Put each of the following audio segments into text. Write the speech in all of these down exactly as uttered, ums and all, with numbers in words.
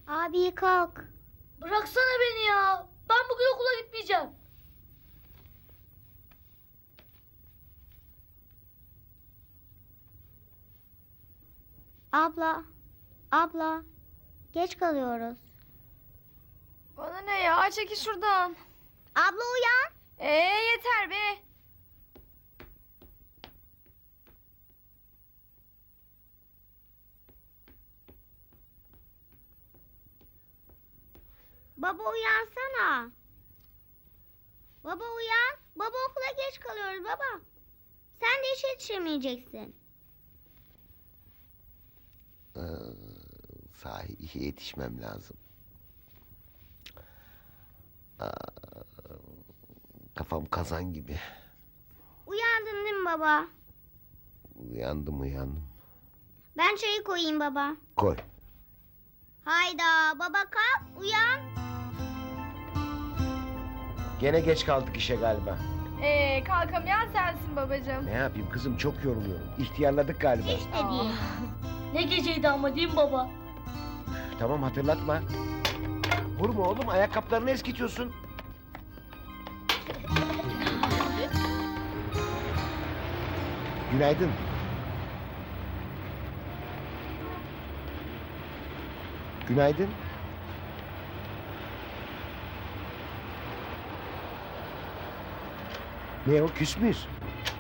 Abi kalk. Bıraksana beni ya. Ben bugün okula gitmeyeceğim. Abla. Abla. Geç kalıyoruz. Bana ne ya? Çekil şuradan. Abla uyan. Ee yeter be. Baba uyansana. Baba uyan. Baba okula geç kalıyoruz baba. Sen de işe yetişemeyeceksin. Ee, sahi işe yetişmem lazım. Aa, kafam kazan gibi. Uyandın değil mi baba? Uyandım uyandım. Ben çayı koyayım baba. Koy. Hayda baba kalk uyan. Gene geç kaldık işe galiba. Ee kalkamayan sensin babacığım. Ne yapayım kızım, çok yoruluyorum. İhtiyarladık galiba. Hiç de değil. Ne geceydi ama değil mi baba? Tamam, hatırlatma. Vurma oğlum, ayakkabılarını eskitiyorsun. Günaydın. Günaydın. Ne o, küs müyüz?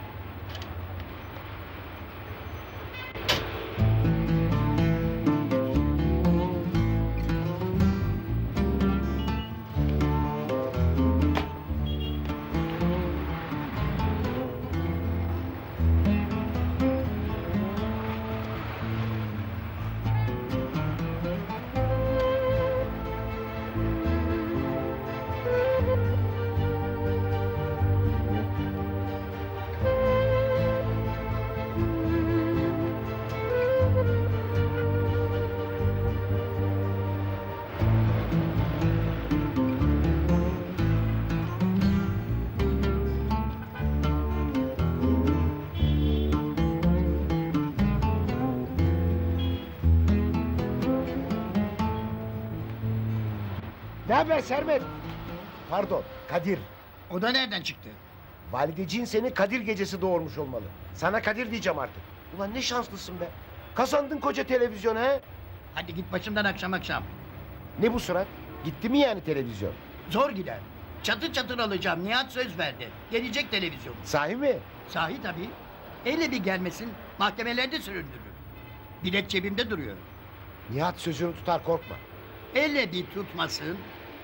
Ne haber Sermet? Pardon, Kadir. O da nereden çıktı? Valideciğin seni Kadir gecesi doğurmuş olmalı. Sana Kadir diyeceğim artık. Ulan ne şanslısın be. Kazandın koca televizyonu he. Hadi git başımdan akşam akşam. Ne bu surat? Gitti mi yani televizyon? Zor gider. Çatır çatır alacağım. Nihat söz verdi. Gelecek televizyon. Sahi mi? Sahi tabii. Hele bir gelmesin mahkemelerde süründürür. Bilet cebimde duruyor. Nihat sözünü tutar, korkma. Hele bir tutmasın.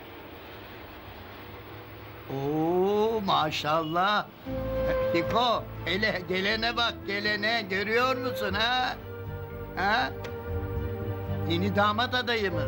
Oo maşallah. Fiko hele gelene bak gelene, görüyor musun ha? Ha? Yeni damat adayımız.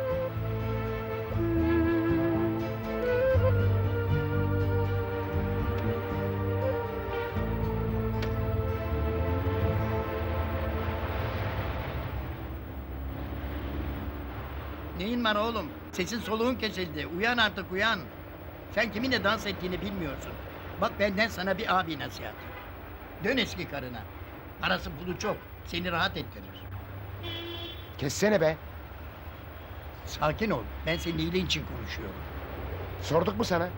Neyin var oğlum? Sesin soluğun kesildi. Uyan artık uyan. Sen kiminle dans ettiğini bilmiyorsun. Bak benden sana bir abi nasihatı. Dön eski karına. Parası pulu çok. Seni rahat ettirir. Kessene be. Sakin ol. Ben senin iyiliğin için konuşuyorum. Sorduk mu sana?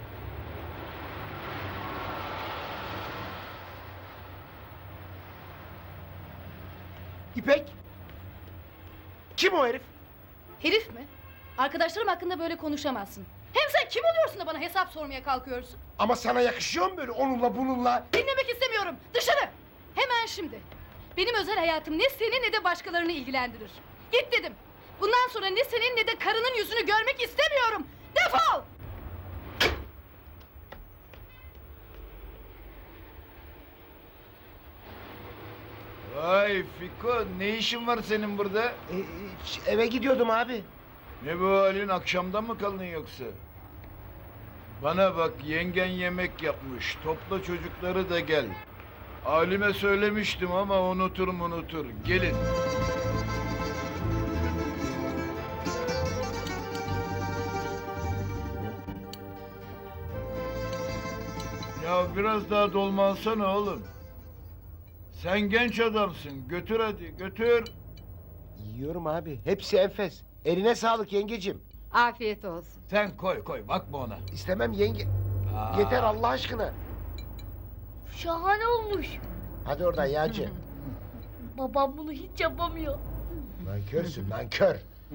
İpek. Kim o herif? Herif mi? Arkadaşlarım hakkında böyle konuşamazsın. Hem sen kim oluyorsun da bana hesap sormaya kalkıyorsun? Ama sana yakışıyor mu böyle onunla bununla? Dinlemek istemiyorum. Dışarı! Hemen şimdi. Benim özel hayatım ne seni ne de başkalarını ilgilendirir. Git dedim. Bundan sonra ne senin ne de karının yüzünü görmek istemiyorum. Defol! Vay Fiko, ne işin var senin burada? Ee, eve gidiyordum abi. Ne bu halin, akşamdan mı kaldın yoksa? Bana bak, yengen yemek yapmış, topla çocukları da gel. Halime söylemiştim ama unutur unutur, gelin. Ya biraz daha dolmansana oğlum. Sen genç adamsın, götür hadi, götür. Yiyorum abi, hepsi enfes. Eline sağlık yengecim. Afiyet olsun. Sen koy koy bakma ona. İstemem yenge. Aa. Yeter Allah aşkına. Şahane olmuş. Hadi oradan yağcı. Babam bunu hiç yapamıyor. Nankörsün nankör.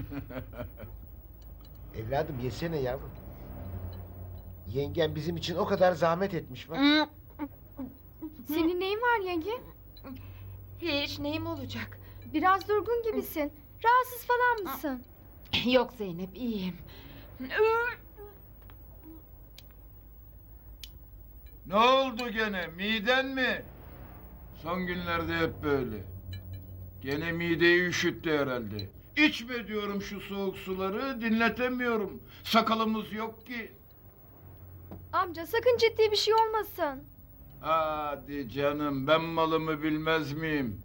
Evladım yesene yavrum. Yengen bizim için o kadar zahmet etmiş bak. Senin neyin var yenge? Hiç neyim olacak? Biraz durgun gibisin. Rahatsız falan mısın? Yok Zeynep iyiyim. Ne oldu gene? Miden mi? Son günlerde hep böyle. Gene mideyi üşüttü herhalde. İçme diyorum şu soğuk suları, dinletemiyorum. Sakalımız yok ki. Amca sakın ciddi bir şey olmasın. Hadi canım, ben malımı bilmez miyim?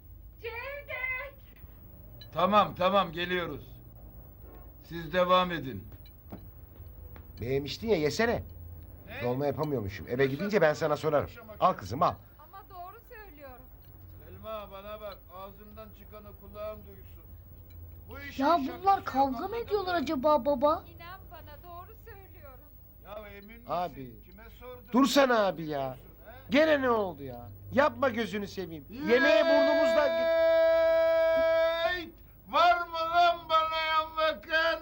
Tamam, tamam, geliyoruz. Siz devam edin. Beğenmiştin ya yesene. Dolma yapamıyormuşum. Eve gidince ben sana sorarım. Al kızım al. Ama doğru söylüyorum. Selma bana bak, ağzımdan çıkanı kulağın duysun. Bu işin Ya şakası bunlar yok, kavga mı anladın ediyorlar mı? acaba baba? İnan bana doğru söylüyorum. Ya emin misin? Abi, Kime sordun? dursana abi ya. Gene ne oldu ya? Yapma gözünü seveyim. Yemeğe burnumuzdan git. Yeeey! Var mı lan bana yan bakan?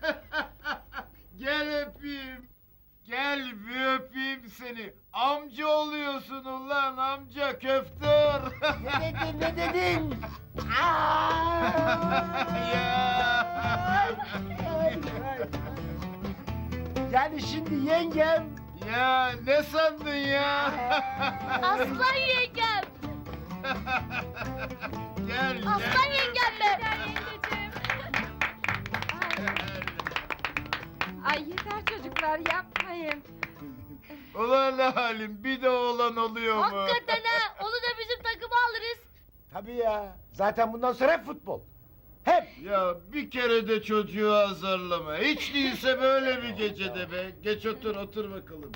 Gel öpeyim. Gel bir öpeyim seni. Amca oluyorsun ulan amca köftör. Ne dedin ne dedin? ya. Yani şimdi yengem. ya ne sandın ya? Aslan yengem. gel gel. Aslan yengem be. Ay yeter çocuklar yapmayın. Ulan halim bir de oğlan oluyor mu? Hakikaten ha. Onu da bizim takıma alırız. Tabii ya. Zaten bundan sonra hep futbol. Hep. Ya bir kere de çocuğu azarlama. Hiç değilse böyle bir gecede be. Geç otur otur bakalım.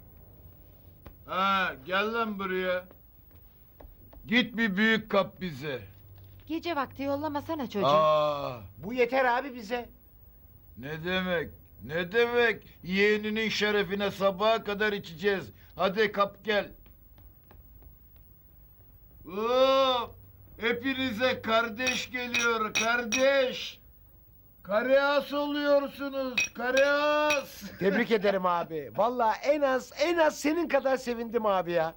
Ha gel lan buraya. Git bir büyük kap bize. Gece vakti yollamasana çocuğu. Aa, Bu yeter abi bize. ne demek? Ne demek? Yeğeninin şerefine sabaha kadar içeceğiz. Hadi kap gel. Oo, hepinize kardeş geliyor kardeş. Kareas oluyorsunuz kareas. Tebrik ederim abi. Vallahi en az en az senin kadar sevindim abi ya.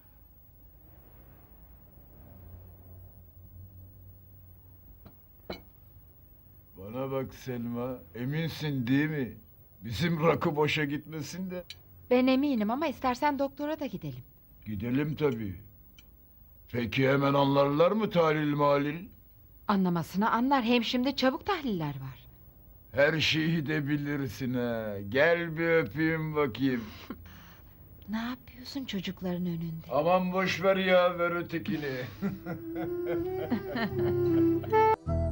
Bana bak Selma, eminsin değil mi? Bizim rakı boşa gitmesin de. Ben eminim ama istersen doktora da gidelim. Gidelim tabii. Peki hemen anlarlar mı tahlil malil? Anlamasını anlar. Hem şimdi çabuk tahliller var. Her şeyi de bilirsin ha. Gel bir öpeyim bakayım. Ne yapıyorsun çocukların önünde? Aman boş ver ya, ver ötekini.